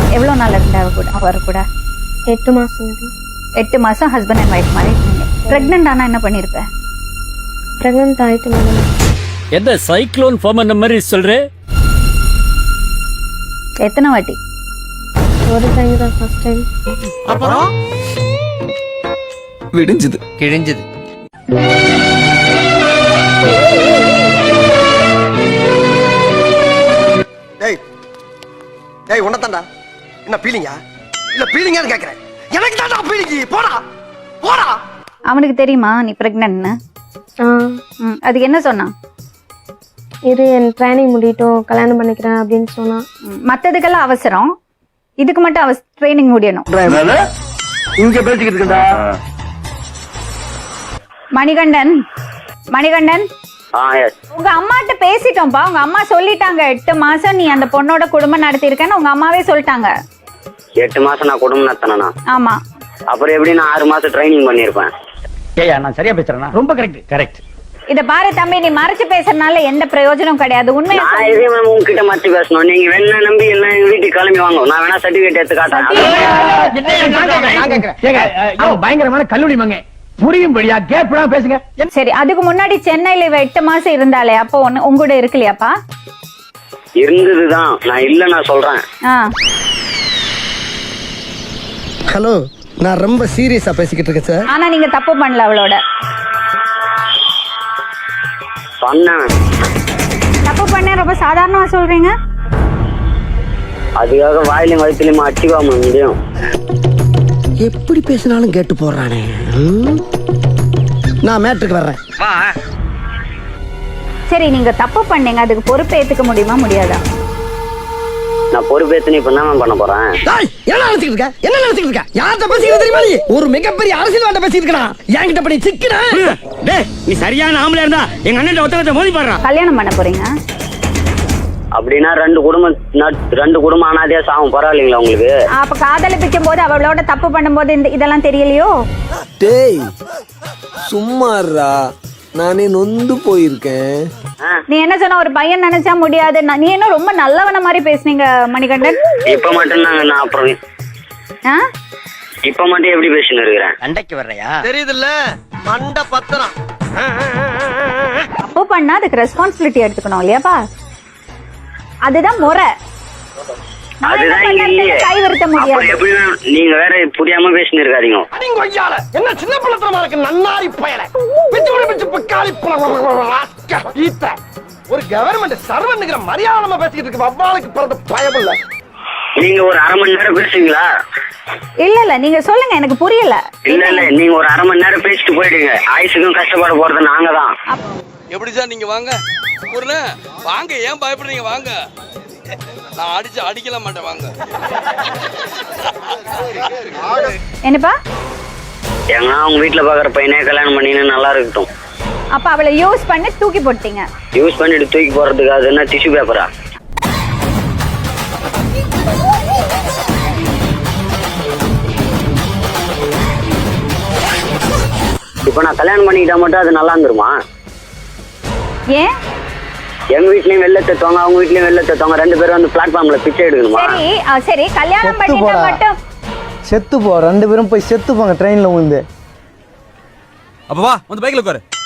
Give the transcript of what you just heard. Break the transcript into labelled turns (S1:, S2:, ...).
S1: எவ்வளோ நாள் இருந்தா அவர் கூட?
S2: 8 மாசம்.
S1: 8 மாசம் ஹஸ்பண்ட் அண்ட் ஒய்ஃப் மாதிரி இருக்கீங்க. பிரெக்னென்ட் ஆனா என்ன பண்ணிருப்ப?
S2: பிரெக்னென்ட் ஆயிட்டு மேடம்.
S3: எந்த சைக்ளோன் ஃபார்ம் அந்த மாதிரி சொல்ற?
S1: எத்தனை வாட்டி?
S2: ஒரு டைம் தான், ஃபர்ஸ்ட் டைம்.
S4: அப்புறம்
S5: விடிஞ்சது
S4: கிழிஞ்சது.
S6: டேய் உன்னதான்டா. என்ன பீலிங்கா? இல்ல பீலிங்கான்னு கேக்குறேன். எனக்கு தான்டா பீலிங்கி. போடா போடா.
S1: அவனுக்கு தெரியுமா நீ பிரெக்னென்ட்னு? அதுக்கு என்ன சொன்னான்?
S2: இது என் ட்ரைனிங் முடியட்டும் கல்யாணம் பண்ணிக்கிறேன் அப்படின்னு சொன்னா.
S1: மத்ததுக்கெல்லாம் அவசரம், இதுக்கு மட்டும் ட்ரைனிங் முடியணும்.
S6: இங்க பேசிக்கிட்டு இருக்கா?
S1: மணிகண்டன், மணிகண்டன், உங்க அம்மாட்ட பேசிட்டோம்ப்பா. உங்க அம்மா சொல்லிட்டாங்க 8 மாசம் நீ அந்த பொண்ணோட குடும்பம் நடத்திருக்கேன்னு உங்க அம்மாவே சொல்லிட்டாங்க.
S7: 8 மாசம் நான் குடும்பம் நடத்தினா?
S1: ஆமா.
S7: அப்புறம் எப்படி நான் 6 மாசம் ட்ரைனிங் பண்ணிருப்பேன்?
S3: ஏயா நான் சரியா பேசுறேனா? ரொம்ப கரெக்ட்.
S1: இத பாரு தம்பி, நீ மறைச்சு பேசுறதுனால எந்த பிரயோஜனம் கிடையாது. உண்மையா
S7: நான் இதே உங்ககிட்ட மறைச்சு பேசணும். நீங்க வேணா நம்பி எல்லாம் எங்க வீட்டுக்கு கிளம்பி வாங்க. நான் வேணா சர்டிபிகேட் எடுத்து காட்டுறேன்.
S3: பயங்கரமான கல்லூரி மங்க புரியும்படியா கேப்டா பேசுங்க.
S1: சரி, அதுக்கு முன்னாடி சென்னையில இவ 8 மாசம் இருந்தாலே அப்போ உங்கூட இருக்கலையாப்பா?
S7: இருந்ததுதான், நான் இல்ல நான் சொல்றேன்.
S6: ஹலோ, நான் ரொம்ப சீரியஸா பேசிக்கிட்டு இருக்கேன் சார்.
S1: ஆனா நீங்க தப்பு பண்ணல அவளோட.
S7: சொன்னேன்.
S1: தப்பு பண்ண ரொம்ப சாதாரணமா சொல்றீங்க.
S7: அதுக்காக வாயிலும் வயிற்றுலயுமா அடிச்சுக்காம முடியும்?
S6: எப்படி பேசினாலும் கேட்டு போடுறானே. நான் மேட்ருக்கு வர்றேன்.
S1: சரி, நீங்க தப்பு பண்ணீங்க, அதுக்கு பொறுப்பு ஏத்துக்க முடியுமா முடியாதா?
S7: நான் பொறுப்பேத்து இப்ப என்ன பண்ண போறேன்?
S6: என்ன நினைச்சிட்டு இருக்க? என்ன நினைச்சிட்டு இருக்க? யார்கிட்ட பேசிக்கிட்டு தெரியுமா நீ? ஒரு மிகப்பெரிய அரசியல்வாட்ட பேசிட்டு இருக்கா. என்கிட்ட பண்ணி சிக்கினா
S3: டேய், நீ சரியான ஆம்பளையா இருந்தா எங்க அண்ணன் ஒருத்தரத்தை மோதி பாடுறா.
S1: கல்யாணம் பண்ண போறீங்க
S7: அப்படின்னா 2 குடும்பம் அனாதையா சாவும். பரவாயில்லைங்களா உங்களுக்கு?
S1: அப்ப காதலிப்பிக்கும் போது அவளோட தப்பு பண்ணும்போது இதெல்லாம் தெரியலையோ?
S5: டேய் சும்மாறா, நானே நொந்து போயிருக்கேன்.
S1: நீ என்ன சொன்ன? ஒரு பையன் நினைச்சா முடியாது. நீ என்ன ரொம்ப நல்லவன மாதிரி பேசுனீங்க மணிகண்டன்.
S7: இப்ப மட்டும் நான் அப்புறம் இப்ப மட்டும் எப்படி பேசின்னு இருக்கிறேன்?
S4: சண்டைக்கு வர்றையா?
S6: தெரியுதுல்ல, மண்ட பத்திரம்.
S1: தப்பு பண்ணா அதுக்கு ரெஸ்பான்சிபிலிட்டி எடுத்துக்கணும் இல்லையாப்பா? அதுதான் முறை.
S7: அதுதான் இல்லையே.
S1: கை வருத்த முடியாது.
S7: எப்படி நீங்க வேற புரியாம பேசின்னு இருக்காதீங்க.
S6: என்ன சின்ன பிள்ளைத்தனமா இருக்கு நன்னாரி பயல. ஒரு கவர்மெண்ட் சர்வன்ங்கிற மரியாதை பேசிக்கிட்டு இருக்கு. வவ்வாலுக்கு பிறந்த பயம் இல்ல.
S7: நீங்க ஒரு 1/2 மணி நேரம் பேசுவீங்களா?
S1: இல்ல நீங்க சொல்லுங்க, எனக்கு புரியல.
S7: இல்ல நீங்க ஒரு 1/2 மணி நேரம் பேசிட்டு போயிடுங்க. ஆயுசுக்கும் கஷ்டப்பட போறது நாங்க தான்.
S8: எப்படி சார் நீங்க வாங்க வாங்க, ஏன் பயப்படுறீங்க? வாங்க, நான் அடிக்கல மாட்டேன். வாங்க.
S1: என்னப்பா?
S7: ஏன்னா அவங்க வீட்டுல பாக்குற பையனே கல்யாணம் பண்ணின்னு நல்லா இருக்கட்டும்.
S1: அப்ப அவளை யூஸ் பண்ணி தூக்கி போட்டீங்க.
S7: யூஸ் பண்ணிட்டு தூக்கி போறதுக்கு அது என்ன டிஷ்யூ பேப்பரா? இப்ப நான் கல்யாணம் பண்ணிக்கிட்டா மட்டும் அது நல்லா இருந்துருமா?
S1: ஏன்?
S7: எங்க வீட்லயும் வெளில தத்துவாங்க, அவங்க வீட்லயும் வெளில தத்துவாங்க. 2 பேரும் வந்து பிளாட்ஃபார்ம்ல பிச்சை எடுக்கணுமா?
S1: சரி கல்யாணம் பண்ணிட்டா மட்டும்
S5: செத்து போ. 2 பேரும் போய் செத்து போங்க ட்ரெயின்ல விழுந்து.
S4: அப்ப வா, வந்து பைக்ல உட்காரு.